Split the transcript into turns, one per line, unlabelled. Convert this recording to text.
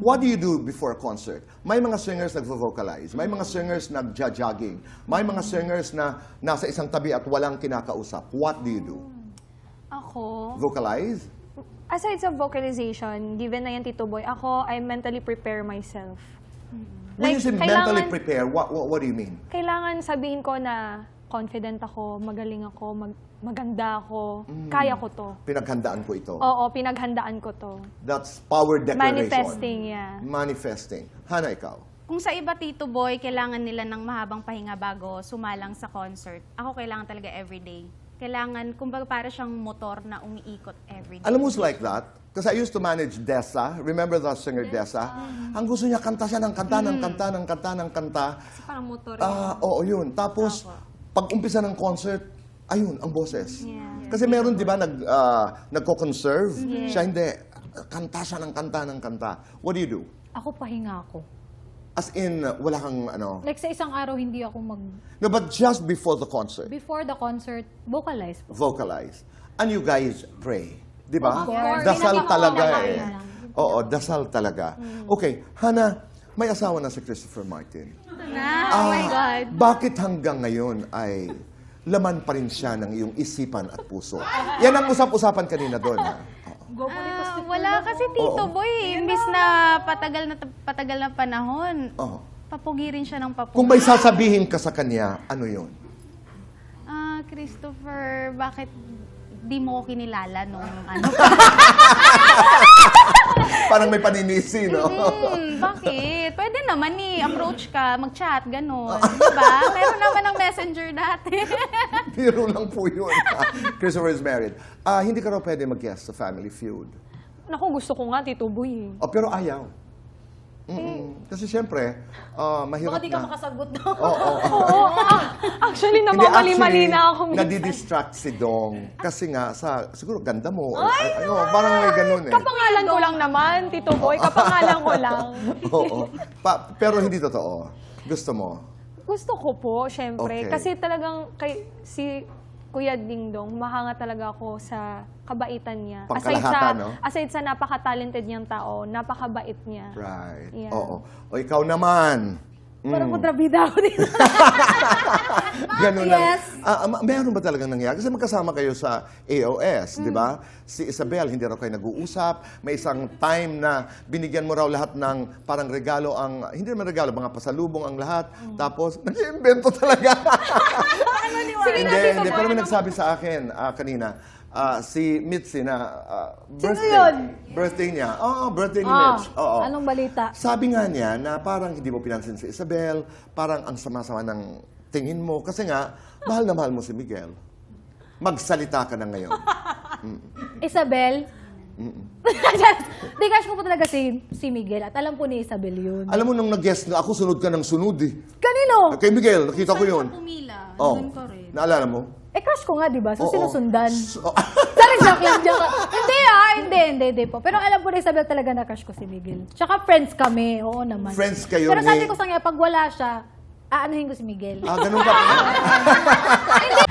What do you do before a concert? May mga singers nagvo-vocalize, may mga singers nagja-jogging, may mga singers na nasa isang tabi at walang kinakausap. What do you do?
Ako,
Vocalize?
aside sa vocalization, given na yan, Tito Boy, ako, I mentally prepare myself.
When you say mentally
kailangan-
prepare, what do you mean?
Kailangan sabihin ko na confident ako, magaling ako, maganda ako, kaya ko to.
Pinaghandaan ko ito.
Oo, pinaghandaan ko to.
That's power declaration.
Manifesting, yeah.
Manifesting. Hana, ikaw?
Kung sa iba, Tito Boy, kailangan nila ng mahabang pahinga bago sumalang sa concert. Ako kailangan talaga everyday. Kailangan, kumbaga para siyang motor na umiikot everyday.
Alam mo who's like that? Because I used to manage Dessa. Remember the singer Dessa? Ang gusto niya, kanta siya ng kanta, ng kanta, ng kanta, ng kanta.
Kasi parang motor.
Oo, yun. Tapos, pag umpisa ng concert, ayun, ang boses.
Yeah.
Kasi meron, di ba, nagko-conserve? Siya hindi. Kanta siya ng kanta, ng kanta. What do you do?
Ako pahinga ako.
As in, wala kang ano.
Like sa isang araw, hindi ako
No, but just before the concert,
before the concert, vocalize po.
vocalize. And you guys pray. Di ba?
Of course.
Dasal
Pinaka-
talaga
pinaka-
eh. Oo, dasal talaga. Okay, Hana, may asawa na si Christopher Martin.
Oh my God.
Bakit hanggang ngayon ay laman pa rin siya ng iyong isipan at puso? Yan ang usap-usapan kanina doon. Ha? Oo.
Wala kasi, Tito
Oo.
Boy. Imbis na patagal na panahon,
Oo.
papugi rin siya ng papugi.
Kung may sasabihin ka sa kanya, ano yun?
Christopher, bakit di mo ko kinilala nung ano?
Parang may paninisi, no?
Bakit? Pwede naman approach ka, mag-chat, gano'n. Diba? Meron naman ang messenger dati.
Biro lang po yun. Christopher is married. Hindi ka raw pwede mag-guest sa Family Feud.
Naku, gusto ko nga, Tito Boy.
Oh, pero ayaw. Kasi siyempre, mahirap
Baka di ka
na.
makasagot daw.
Oo, actually,
Hindi,
namamali-mali na ako minsan.
nadidistract si Dong. Kasi nga, siguro ganda mo. Ano, parang may ganun eh.
Kapangalan ko lang naman, Tito Boy. Kapangalan ko lang.
Oo. Pero hindi totoo. Gusto mo?
Gusto ko po, syempre.
Okay.
Kasi talagang si Kuya Dingdong, mahanga talaga ako sa kabaitan niya.
Pangkalahatan, no?
Aside sa napaka-talented niyang tao, napakabait niya.
Right.
Yeah.
Oo. O ikaw naman.
Parang kontrabida ako dito.
Ganun lang.
Yes.
Meron ba talagang nangyari? Kasi magkasama kayo sa AOS, di ba? Si Isabel, hindi raw kayo nag-uusap. May isang time na binigyan mo raw lahat ng parang regalo hindi naman regalo, mga pasalubong ang lahat. Tapos, nag-iimbento talaga.
Sige na, Tito
Hindi,
Boy.
pero may nagsabi sa akin kanina, si Mitzi na birthday.
yun?
Birthday niya. Oo, birthday ni Mitch. Oo.
Anong balita?
Sabi nga niya na parang hindi mo pinansin si Isabel, parang ang sama-sama ng tingin mo. Kasi nga, mahal na mahal mo si Miguel. Magsalita ka na ngayon.
Isabel? Di, crush ko po talaga si Miguel. At alam po ni Isabel yun.
Alam mo, nung nag-guest nga ako, sunod ka ng sunod eh.
Kanino?
Kay Miguel, nakita ko yun.
Pumila.
Oh,
Doon ka rin.
naalala mo?
Crush ko nga, di ba? So,
Oo.
sinusundan.
So,
Sorry, joke lang, joke lang. Hindi po. Pero alam po ni Isabel talaga na crush ko si Miguel. Tsaka friends kami, oo naman.
Friends kayo
Pero
ni-
sabi ko sa kanya, pag wala siya, aanuhin ko si Miguel.
ganun ka.
Hindi,